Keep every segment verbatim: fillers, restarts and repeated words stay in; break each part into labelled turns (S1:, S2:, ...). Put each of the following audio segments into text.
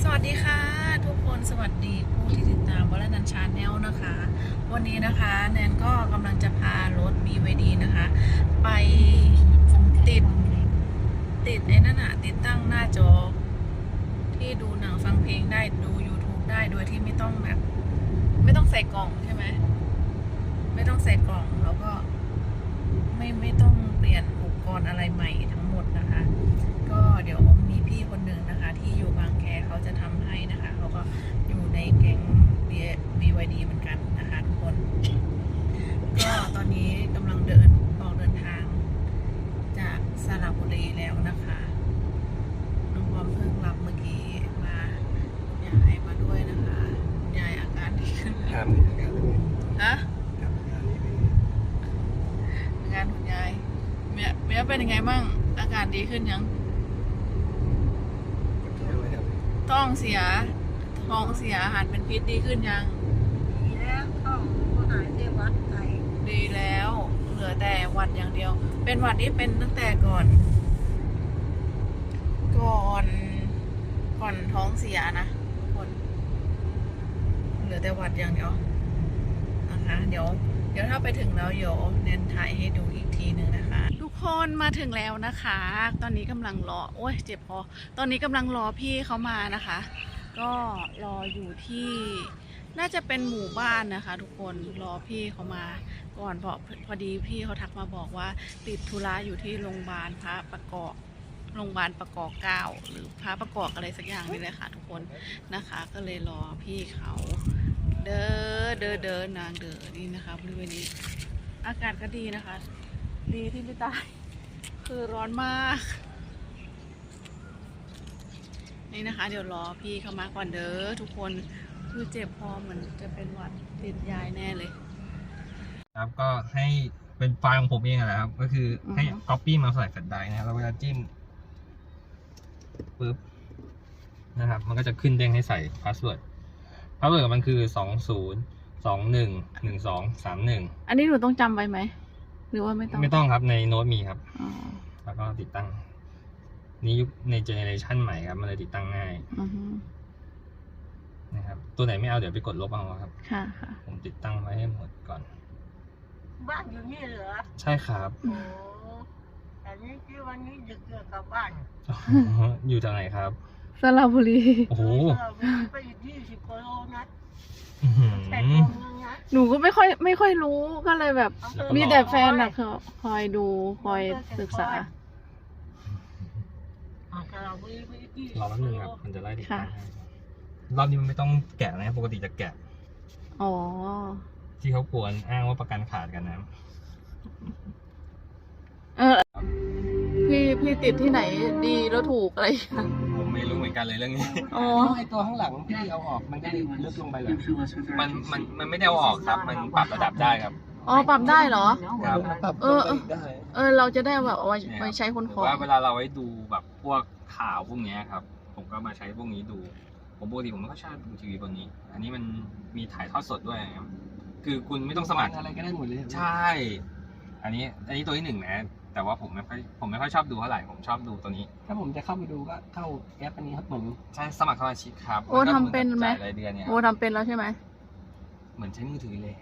S1: วัสดีค่ะทุกคนสวัสดีผู้ที่ติดตามวลนันชาแนลนะคะ วันนี้นะคะแนนก็กำลังจะพารถ บี วาย ดี นะคะ ไปติดติดไอ้นั่นอะติดตั้งหน้าจอ ที่ดูหนังฟังเพลงได้ดู YouTube ได้โดยที่ไม่ต้องแบบไม่ต้องใส่กล่องใช่ไหมไม่ต้องใส่กล่องแล้วก็ไม่ไม่ต้องเปลี่ยนอุปกรณ์อะไรใหม่ทั้งหมดนะคะ ก็เดี๋ยวมีพี่คนหนึ่งนะคะที่อยู่บางแคเขาจะทำให้นะคะเขาก็อยู่ในแก๊ง บี วาย ดี เหมือนกันนะคะทุกคนก็ตอนนี้กำลังเดินออกเดินทางจากสระบุรีแล้วนะคะน้องบอมเพิ่งรับเมื่อกี้มายายมาด้วยนะคะยายอาการดีขึ้นแล้วฮะงานคุณยายเมียเมียเป็นยังไงบ้างอาการดีขึ้นยังท้องเสียท้องเสียอาหารเป็นพิษดีขึ้นยัง
S2: ดีแล้วท้องก็หายได้วัดไต
S1: ดีแล้วเหลือแต่หวัดอย่างเดียวเป็นหวัดที่เป็นตั้งแต่ก่อน ก่อนก่อนท้องเสียนะทุกคนเหลือแต่หวัดอย่างเดียวนะคะเดี๋ยวเดี๋ยวถ้าไปถึงแล้วเดี๋ยวเน้นถ่ายให้ดูอีกทีหนึ่งนะคะทุกคนมาถึงแล้วนะคะตอนนี้กำลังรอโอ้ยเจ็บคอตอนนี้กำลังรอพี่เขามานะคะ ก็รออยู่ที่น่าจะเป็นหมู่บ้านนะคะ ทุกคนรอพี่เขามาก่อนพอพอดีพี่เขาทักมาบอกว่าติดธุระอยู่ที่โรงพยาบาลพระประกอบโรงพยาบาลประกอบเก้าหรือพระประกอบอะไรสักอย่างนี่เลยค่ะทุกคนนะคะ ก็เลยรอพี่เขาเดินเดินเดินนางเดินนี่นะคะบริเวณนี้อากาศก็ดีนะคะ ดีที่ไม่ตายคือร้อนมากนี่นะคะเดี๋ยวรอพี่เขามาก่อนเด้อทุกคนคือเจ็บคอเหมือนจะเป็นหวัดติดยายแน่เลย
S3: ครับก็ให้เป็นไฟล์ของผมเองนะครับก็คือให้ copy มาใส่แฟลชไดรฟ์นะครับแล้วเวลาจิ้มปุ๊บนะครับมันก็จะขึ้นเด้งให้ใส่พาสเวิร์ดพาสเวิร์ดมันคือสองศูนย์สองหนึ่งหนึ่งสองสามหนึ่ง
S1: อันนี้หนูต้องจำไว้ไหมหรือว่าไม่ต้อง
S3: ไม่ต้องครับในโน้ตมีครับ
S1: อ๋อ
S3: แล้วก็ติดตั้งนี้ยุคในเจเนอเรชันใหม่ครับมันเลยติดตั้งง่ายนะครับตัวไหนไม่เอาเดี๋ยวไปกดลบเอาครับ
S1: ค่ะค่ะ
S3: ผมติดตั้งไว้ให้หมดก่อน
S2: บ้านอยู่นี่เหรอ
S3: ใช่ครับ
S2: โอ้แต่นี้ที่วันนี้ดึกเกิดกลับบ้าน
S3: อยู่จากไหนครับ
S1: สระบุรี
S3: โอ้โห
S2: ไปอยู่ยี่สิบกิโลนะ
S3: แ
S2: ปดโมงนะ
S1: หนูก็ไม่ค่อยไม่ค่อยรู้ก็เลยแบบมีแต่แฟนนะเขาคอยดูคอยศึกษารอ
S3: แป๊บนึงครับมันจะไล่ติดตั้งให้รอบนี้มันไม่ต้องแกะนะปกติจะแกะ
S1: อ๋อ
S3: ที่เขากวนอ้างว่าประกันขาดกันนะ
S1: เออพี่พี่ติดที่ไหนดีแล้วถูกอะไร
S3: ผมไม่รู้เหมือนกันเลยเรื่องนี้
S1: อ๋อ
S3: ไอตัวข้างหลังที่เอาออกมันได้ลึกลงไปเลยมันมันมันไม่ได้เอาออกครับมันปรับระดับได้ครับ
S1: อ๋อปรับได้เหรอ
S3: ครับ
S1: เออเออเราจะได้แบบเอาไว้ใช้คนของ
S3: ว่าเวลาเราไว้ดูแบบพวกข่าวพวกนี้ครับผมก็มาใช้พวกนี้ดูผมปกติผมไม่ค่อยชอบดูทีวีบนนี้อันนี้มันมีถ่ายทอดสดด้วยครับคือคุณไม่ต้องสมัครอะไรก็ได้หมดเลยใช่อันนี้อันนี้ตัวที่หนึ่งนะแต่ว่าผมไม่ค่อยผมไม่ค่อยชอบดูเท่าไหร่ผมชอบดูตัวนี้ถ้าผมจะเข้าไปดูก็เข้าแอปอันนี้ครับเหมือนใช่สมัครสมาชิกครับ
S1: โอ้ทำเป็นไหม
S3: รายเดือนเนี่ย
S1: โอ้ทำเป็นแล้วใช่ไหม
S3: เหมือนใช้มือถือเลย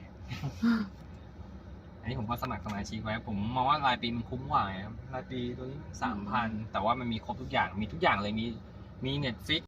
S3: อันนี้ผมก็สมัครสมาชิกไว้ผมมองว่ารายปีมันคุ้มกว่าครับรายปีตัวนี้สามพันแต่ว่ามันมีครบทุกอย่างมีทุกอย่างเลยมีมี Netflix